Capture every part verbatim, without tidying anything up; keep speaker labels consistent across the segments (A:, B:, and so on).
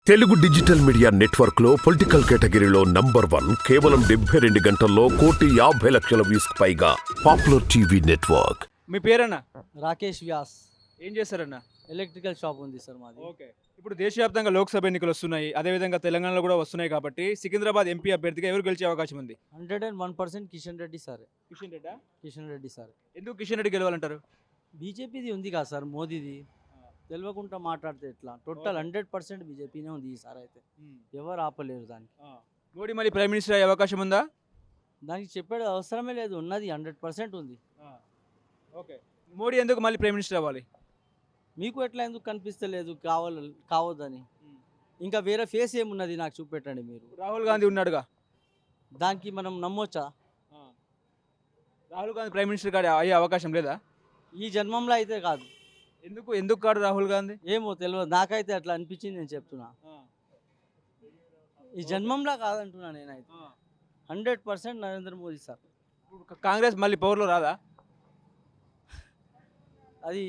A: Telugu digital media network లో political కేటగిరీలో number one కేవలం డెబ్బై రెండు గంటల్లో కోటి యాభై లక్షల వ్యూస్ పైగా పాపులర్ టీవీ నెట్వర్క్.
B: మీ పేరన్నా?
C: రాకేష్ వ్యాస్.
B: ఏం చేస్తారన్నా?
C: ఎలక్ట్రికల్ షాప్ ఉంది సార్ మాది.
B: ఓకే. ఇప్పుడు దేశవ్యాప్తంగా లోక్సభ ఎన్నికలు వస్తున్నాయి, అదేవిధంగా తెలంగాణలో కూడా వస్తున్నాయి కాబట్టి సికింద్రాబాద్ ఎంపీ అభ్యర్థిగా ఎవరు గెలిచే అవకాశం ఉంది?
C: Hundred and one percent Kishan Reddy sir.
B: Kishan రెడ్డా?
C: కిషన్ రెడ్డి సార్.
B: ఎందుకు కిషన్ రెడ్డి గెలవాలంటారు?
C: బీజేపీది ఉంది కదా సార్, మోదీది. తెలియకుండా మాట్లాడితే ఎట్లా? టోటల్ హండ్రెడ్ పర్సెంట్ బీజేపీనే ఉంది ఈసారి అయితే. ఎవరు ఆపలేరు దానికి.
B: మోడీ మళ్ళీ ప్రైమ్ మినిస్టర్ అయ్యే అవకాశం ఉందా?
C: దానికి చెప్పేది అవసరమే లేదు, ఉన్నది హండ్రెడ్ పర్సెంట్ ఉంది.
B: ఓకే. మోడీ ఎందుకు మళ్ళీ ప్రైమ్ మినిస్టర్ అవ్వాలి?
C: మీకు ఎట్లా ఎందుకు కనిపిస్తలేదు కావాలి కావద్దని? ఇంకా వేరే ఫేస్ ఏమున్నది నాకు చూపెట్టండి మీరు.
B: రాహుల్ గాంధీ ఉన్నాడుగా,
C: దానికి మనం నమ్మొచ్చా?
B: రాహుల్ గాంధీ ప్రైమ్ మినిస్టర్ గారు అయ్యే అవకాశం లేదా?
C: ఈ జన్మంలో అయితే కాదు.
B: ఎందుకు ఎందుకు కాడు రాహుల్ గాంధీ?
C: ఏమో తెలియదు, నాకైతే అట్లా అనిపించింది, నేను చెప్తున్నా. ఈ జన్మంలో కాదంటున్నా నేనైతే. Hundred percent Narendra Modi sir.
B: Congress మళ్ళీ పవర్లో రాదా?
C: అది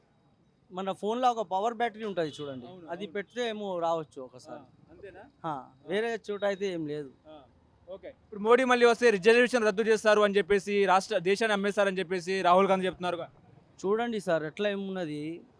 C: మన ఫోన్లో ఒక పవర్ బ్యాటరీ ఉంటుంది చూడండి, అది పెడితే ఏమో రావచ్చు ఒకసారి.
B: అంతేనా?
C: వేరే చోట అయితే ఏం లేదు.
B: ఓకే. ఇప్పుడు మోడీ మళ్ళీ వస్తే రిజర్వేషన్ రద్దు చేస్తారు అని చెప్పేసి, రాష్ట్ర దేశాన్ని అమ్మేస్తారని చెప్పేసి రాహుల్ గాంధీ చెప్తున్నారు.
C: చూడండి సార్ ఎట్లా ఏమున్నది,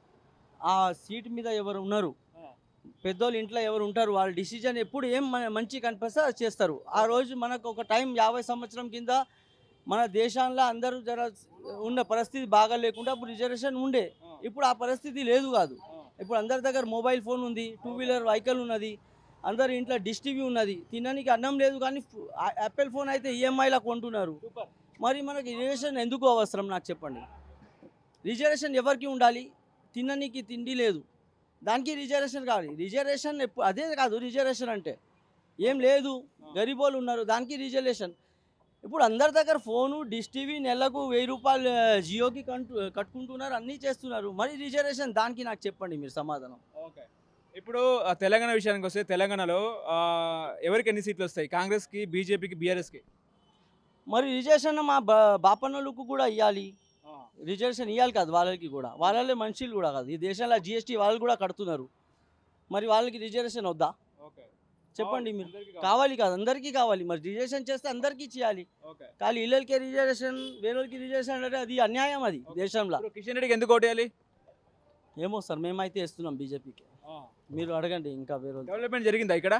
C: ఆ సీట్ మీద ఎవరు ఉన్నారు, పెద్దోళ్ళు ఇంట్లో ఎవరు ఉంటారు, వాళ్ళ డిసిజన్ ఎప్పుడు ఏం మంచి కనిపిస్తే అది చేస్తారు. ఆ రోజు మనకు ఒక టైం యాభై సంవత్సరం కింద మన దేశంలో అందరూ జర ఉన్న పరిస్థితి బాగా లేకుండా అప్పుడు రిజర్వేషన్ ఉండే. ఇప్పుడు ఆ పరిస్థితి లేదు కాదు. ఇప్పుడు అందరి దగ్గర మొబైల్ ఫోన్ ఉంది, టూ వీలర్ వెహికల్ ఉన్నది, అందరి ఇంట్లో డిష్ టీవీ ఉన్నది, తినడానికి అన్నం లేదు కానీ యాపిల్ ఫోన్ అయితే ఈఎంఐలా కొంటున్నారు. మరి మనకి రిజర్వేషన్ ఎందుకు అవసరం నాకు చెప్పండి? రిజర్వేషన్ ఎవరికి ఉండాలి? తినడానికి తిండి లేదు, దానికి రిజర్వేషన్ కావాలి. రిజర్వేషన్ ఎప్పుడు అదే కాదు, రిజర్వేషన్ అంటే ఏం లేదు, గరీబోళ్ళు ఉన్నారు దానికి రిజర్వేషన్. ఇప్పుడు అందరి దగ్గర ఫోను, డిష్ టీవీ, నెలకు వెయ్యి రూపాయలు జియోకి కంటు కట్టుకుంటున్నారు, అన్నీ చేస్తున్నారు, మరి రిజర్వేషన్ దానికి నాకు చెప్పండి మీరు సమాధానం.
B: ఓకే. ఇప్పుడు తెలంగాణ విషయానికి వస్తే తెలంగాణలో ఎవరికి ఎన్ని సీట్లు వస్తాయి? కాంగ్రెస్కి, బీజేపీకి, బీఆర్ఎస్కి.
C: మరి రిజర్వేషన్ మా బా బాపన్నోళ్ళకు కూడా ఇవ్వాలి, రిజర్వేషన్ ఇవ్వాలి కాదు వాళ్ళకి కూడా, వాళ్ళే మనుషులు కూడా కాదు ఈ దేశంలో, జిఎస్టీ వాళ్ళు కూడా కడుతున్నారు, మరి వాళ్ళకి రిజర్వేషన్ వద్దా? చెప్పండి మీరు. కావాలి కాదు, అందరికీ కావాలి, మరి రిజర్వేషన్ చేస్తే అందరికీ చేయాలి. కానీ ఇళ్ళకి రిజర్వేషన్, వేరేకి రిజర్వేషన్ అంటే అది అన్యాయం, అది దేశంలో.
B: కిషన్ రెడ్డికి ఎందుకు ఓటేయాలి?
C: ఏమో సార్, మేమైతే ఇస్తున్నాం బీజేపీకి, మీరు అడగండి. ఇంకా వేరే
B: డెవలప్మెంట్ జరిగిందా ఇక్కడ?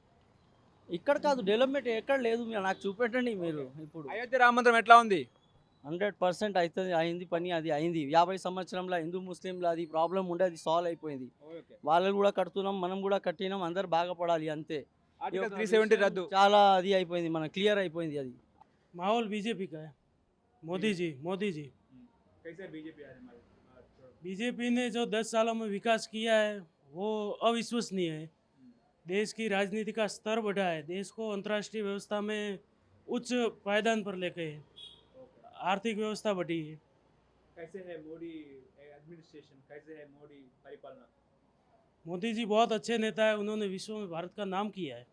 C: ఇక్కడ కాదు, డెవలప్మెంట్ ఎక్కడ లేదు, మీరు నాకు చూపెట్టండి మీరు. ఇప్పుడు
B: అయోధ్య రామ మందిరం ఎట్లా ఉంది?
C: హండ్రెడ్ పర్సెంట్ అవుతుంది, అయింది పని, అది అయింది. యాభై సంవత్సరంలో హిందూ ముస్లింలో అది ప్రాబ్లం ఉండే, అది సాల్వ్ అయిపోయింది. వాళ్ళు కూడా కడుతున్నాం, మనం కూడా కట్టినాం, అందరు బాగుపడాలి అంతే.
B: త్రీ సెవెంటీ రద్దు
C: చాలా అది అయిపోయింది, మన క్లియర్ అయిపోయింది అది.
D: माहौल बीजेपी का है। मोदी जी मोदी जी
B: कैसे बीजेपी आ रही?
D: बीजेपी ने जो दस सालों में विकास किया है वो अविश्वसनीय है। देश की राजनीति का स्तर बढ़ा है, देश को अंतर्राष्ट्रीय व्यवस्था में उच्च पायदान पर लेके है, आर्थिक व्यवस्था बढ़ी है।
B: कैसे है मोदी एडमिनिस्ट्रेशन, कैसे है मोदी परिपालना?
D: मोदी जी बहुत अच्छे नेता है, उन्होंने विश्व में भारत का नाम किया है।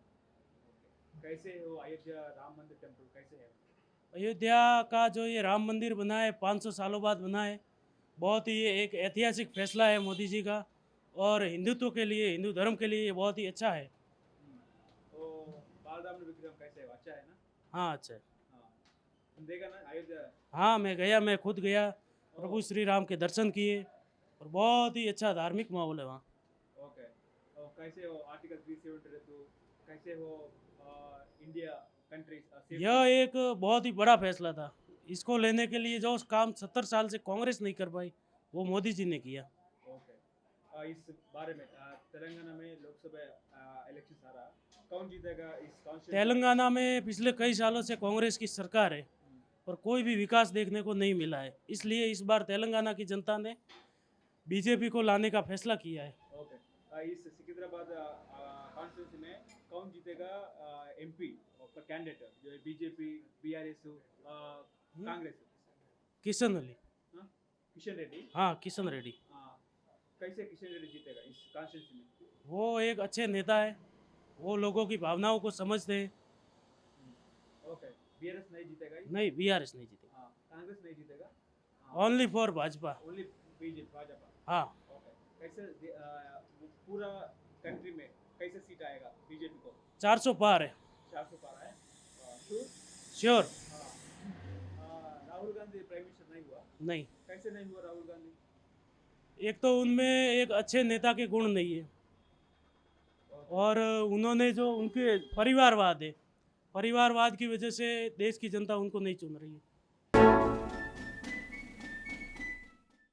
B: कैसे हो अयोध्या राम मंदिर टेम्पल, कैसे है?
D: अयोध्या का जो ये राम मंदिर बना है पाँच सौ सालों बाद बना है, बहुत ही ये एक ऐतिहासिक फैसला है मोदी जी का, और हिंदुत्व के लिए, हिंदू धर्म के लिए ये बहुत ही अच्छा है।
B: तो बालराम विग्रह कैसे है? अच्छा है ना?
D: हाँ अच्छा है।
B: तुम देखा ना अयोध्या?
D: हाँ मैं गया, मैं खुद गया, प्रभु श्री राम के दर्शन किए, और बहुत ही अच्छा धार्मिक माहौल है वहाँ।
B: ओके। और कैसे हो आर्टिकल थ्री सेवेंटी रद्द, कैसे हो इंडिया कंट्रीज?
D: यह एक बहुत ही बड़ा फैसला था, इसको लेने के लिए जो काम सत्तर साल से कांग्रेस नहीं कर पाई वो मोदी जी ने किया।
B: ओके। इस बारे में तेलंगाना में लोकसभा इलेक्शन आ रहा, कौन जीतेगा इस कॉन्स्टिट्यूंसी?
D: तेलंगाना में पिछले कई सालों से कांग्रेस की सरकार है, पर कोई भी विकास देखने को नहीं मिला है, इसलिए इस बार तेलंगाना की जनता ने बीजेपी को लाने का फैसला किया है।
B: ओके। इस सिकंदराबाद कॉन्स्टिट्यूंसी में कौन जीतेगा एमपी कैंडिडेट, जो बीजेपी, बीआरएस, कांग्रेस?
D: किशन अली।
B: किशन रेड्डी?
D: हाँ किशन रेड्डी।
B: कैसे किशन रेड्डी जीतेगा इस कॉन्स्टिट्यूंसी में?
D: वो एक अच्छे नेता है, वो लोगों की भावनाओं को समझते हैं।
B: ओके। बीआरएस नहीं जीतेगा?
D: नहीं बीआरएस नहीं जीतेगा।
B: कांग्रेस नहीं जीतेगा?
D: Only for Bhajpa.
B: Only BJP Bhajpa?
D: हाँ।
B: ओके। कैसे पूरा कंट्री में कैसे
D: चार सौ पार है
B: चार सौ पार है sure
D: sure.
B: Rahul Gandhi prime minister नहीं हुआ?
D: नहीं,
B: कैसे नहीं हुआ राहुल गांधी?
D: एक तो उनमें एक अच्छे नेता के गुण नहीं है, और उन्होंने जो उनके परिवारवाद है, परिवारवाद की वजह से देश की जनता उनको नहीं चुन रही है।